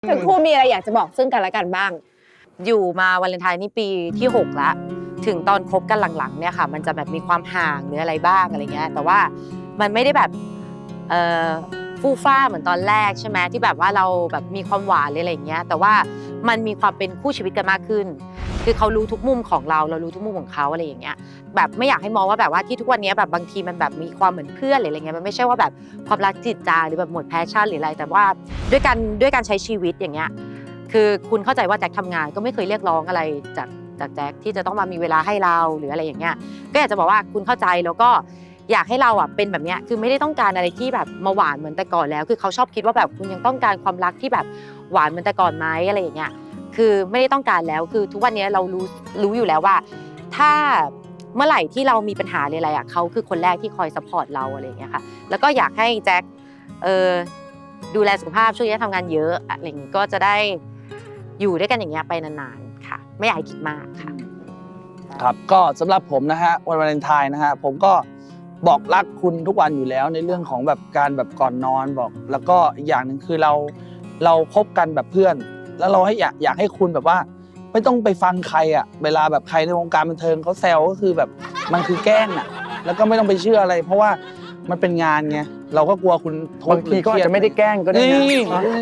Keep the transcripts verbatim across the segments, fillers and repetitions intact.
ทั้งคู่มีอะไรอยากจะบอกซึ่งกันและกันบ้างอยู่มาวาเลนไทน์นี่ปีที่หกแล้วถึงตอนคบกันหลังๆเนี่ยค่ะมันจะแบบมีความห่างหรืออะไรบ้างอะไรเงี้ยแต่ว่ามันไม่ได้แบบเอ่อฟู่ฟ้าเหมือนตอนแรกใช่ไหมที่แบบว่าเราแบบมีความหวานเลยอะไรเงี้ยแต่ว่ามันมีความเป็นคู่ชีวิตกันมากขึ้นคือเขารู้ทุกมุมของเราเรารู้ทุกมุมของเขาอะไรอย่างเงี้ยแบบไม่อยากให้มองว่าแบบว่าที่ทุกวันนี้แบบบางทีมันแบบมีความเหมือนเพื่อนหรืออะไรเงี้ยมันไม่ใช่ว่าแบบความรักจิตจางหรือแบบหมดแพชชั่นหรืออะไรแต่ว่าด้วยการด้วยการใช้ชีวิตอย่างเงี้ยคือคุณเข้าใจว่าแจ็คทำงานก็ไม่เคยเรียกร้องอะไรจากจากแจ็คที่จะต้องมามีเวลาให้เราหรืออะไรอย่างเงี้ยก็อยากจะบอกว่าคุณเข้าใจแล้วก็อยากให้เราอ่ะเป็นแบบเนี้ยคือไม่ได้ต้องการอะไรที่แบบมาหวานเหมือนแต่ก่อนแล้วคือเขาชอบคิดว่าแบบคุณยังต้องการความรักที่แบบหวานเหมือนแต่ก่อนไหมอะไรอย่างเงี้ยคือไม่ได้ต้องการแล้วคือทุกวันนี้เรารู้รู้อยู่แล้วว่าถ้าเมื่อไหร่ที่เรามีปัญหาอะไรอ่ะเขาคือคนแรกที่คอยซัพพอร์ตเราอะไรอย่างเงี้ยค่ะแล้วก็อยากให้แจ็คเออดูแลสุขภาพช่วงนี้ทำงานเยอะอะไรอย่างงี้ก็จะได้อยู่ด้วยกันอย่างเงี้ยไปนานๆค่ะไม่อยากให้คิดมากค่ะครับก็สำหรับผมนะฮะวันวาเลนไทน์นะฮะผมก็บอกรักคุณทุกวันอยู่แล้วในเรื่องของแบบการแบบก่อนนอนบอกแล้วก็อีกอย่างหนึ่งคือเราเราคบกันแบบเพื่อนแล้วเราให้อยากอยากให้คุณแบบว่าไม่ต้องไปฟังใครอ่ะเวลาแบบใครในวงการบันเทิงเขาแซวก็คือแบบมันคือแกล้งอ่ะแล้วก็ไม่ต้องไปเชื่ออะไรเพราะว่ามันเป็นงานไงเราก็กลัวคุณบางทีก็อาจจะไม่ได้แกล้งก็ได้นะ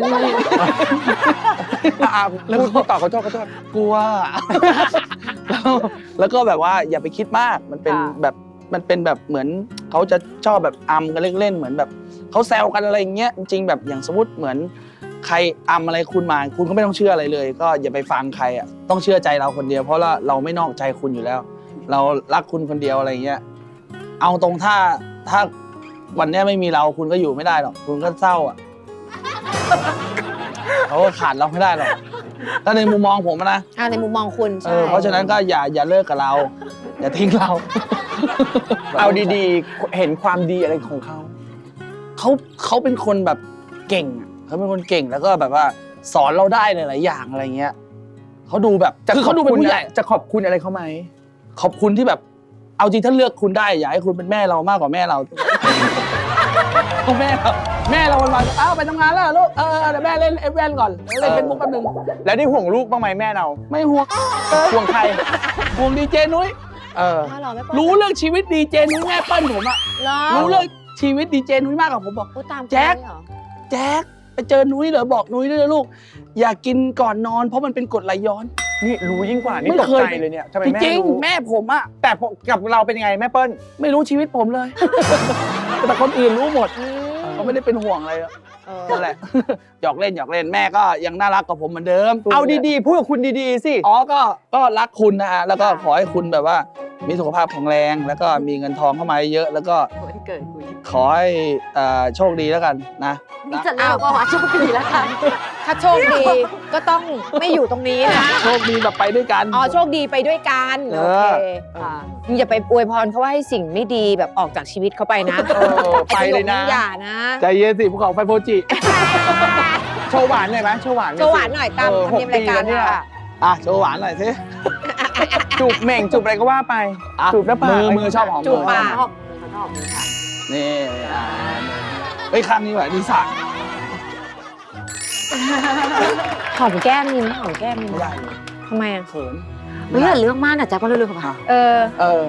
แล้วพูดต่อขอโทษขอโทษกลัวแล้วแล้วก็แบบว่าอย่าไปคิดมากมันเป็นแบบมันเป็นแบบเหมือนเขาจะชอบแบบอำกันเล่นๆเหมือนแบบเขาแซวกันอะไรอย่างเงี้ยจริงๆแบบอย่างสมมติเหมือนใครอำอะไรคุณมาคุณก็ไม่ต้องเชื่ออะไรเลยก็อย่าไปฟังใครอ่ะต้องเชื่อใจเราคนเดียวเพราะว่าเราไม่นอกใจคุณอยู่แล้ว เรารักคุณคนเดียวอะไรเงี้ยเอาตรงถ้าถ้าวันนี้ไม่มีเราคุณก็อยู่ไม่ได้หรอกคุณก็เศร้าอ่ะเขาก็ขาดเราไม่ได้หรอกถ้าในมุมมองผมนะในมุมมองคุณใช่เพราะฉะนั้นก็อย่าอย่าเลิกกับเราอย่าทิ้งเราเอาดีๆเห็นความดีอะไรของเขาเขาเขาเป็นคนแบบเก่งเขาเป็นคนเก่งแล้วก็แบบว่าสอนเราได้หลายๆอย่างอะไรเงี้ยเขาดูแบบคือเขาดูเป็นผู้ใหญ่จะขอบคุณอะไรเขาไหมขอบคุณที่แบบเอาจริงถ้าเลือกคุณได้อยากให้คุณเป็นแม่เรามากกว่าแม่เราแม่เราแม่เราวันวันอ้าวไปทำงานแล้วลูกเออเดี๋ยวแม่เล่นเอฟแวนก่อนเล่นเป็นมุกแป๊บนึงแล้วได้ห่วงลูกบ้างไหมแม่เราไม่ห่วงห่วงใครห่วงดีเจนุ้ยเออรู้เรื่องชีวิตดีเจนุ้ยแม่เปิ้ลผมอะรู้เรื่องชีวิตดีเจนุ้ยมากกว่าผมบอกแจ็คแจ็คไปเจอนุ้ยเหรอบอกนุ้ยด้วยนะลูกอย่ากินก่อนนอนเพราะมันเป็นกรดไหลย้อนนี่รู้ยิ่งกว่านี่ตกใจเลยเนี่ยทำไมแม่จริงแม่ผมอะแต่กับเราเป็นยังไงแม่เปิ้ลไม่รู้ชีวิตผมเลยแต่คนอื่นรู้หมดเขาไม่ได้เป็นห่วงอะไรนั่นแหละหยอกเล่นหยอกเล่นแม่ก็ยังน่ารักกับผมเหมือนเดิมเอาดีๆพูดกับคุณดีๆสิอ๋อก็ก็รักคุณนะฮะแล้วก็ขอให้คุณแบบว่ามีสุขภาพแข็งแรงแล้วก็มีเงินทองเข้ามาเยอะแล้วก็ขอให้โชคดีแล้วกันนะนี่จะเล่าว่าโชคดีแล้วกันถ้าโชคดีก็ต้องไม่อยู่ตรงนี้นะโชคดีแบบไปด้วยกันอ๋อโชคดีไปด้วยกันโอเคอย่าไปอวยพรเขาว่าให้สิ่งไม่ดีแบบออกจากชีวิตเขาไปนะไปเลยนะอย่านะใจเย็นสิภูเขาไฟโฟจิโชว์หวานหน่อยไหมโชว์หวานโชว์หวานหน่อยตามธรรมเนียมรายการเนี่ยอ่ะโชว์หวานหน่อยสิจูบเหม่งจูบอะไรก็ว่าไปจูบหน้าปากมือมือชอบหอมจูบปากนี่เฮ้ยครั้งนี้ว่ะดีสักหอมแก้มนี่หอมแก้มนี่ไม่ได้ทำไมอ่ะเขินเฮ้ยอย่าเรื่องมากนะแจ็คว่าเรื่องค่ะเออเออ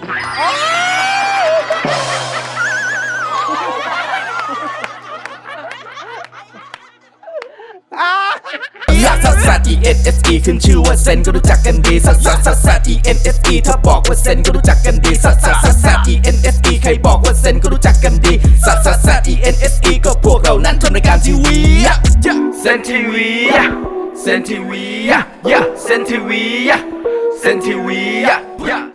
ลักซัสซัส E N S E ขึ้นชื่อว่าเซนก็รู้จักกันดีซัสซัสซัสซัส E N S E ถ้าบอกว่าเซนก็รู้จักกันดีซัสซัสซัสซัส E N S E ใครบอกว่าเซนก็รู้จักกันดีซัสซัสซัส E N S E ก็พวกเรานั้นทำรายการทีวีเซนทีวีเซนทีวีเซนทีวีเซนทีวี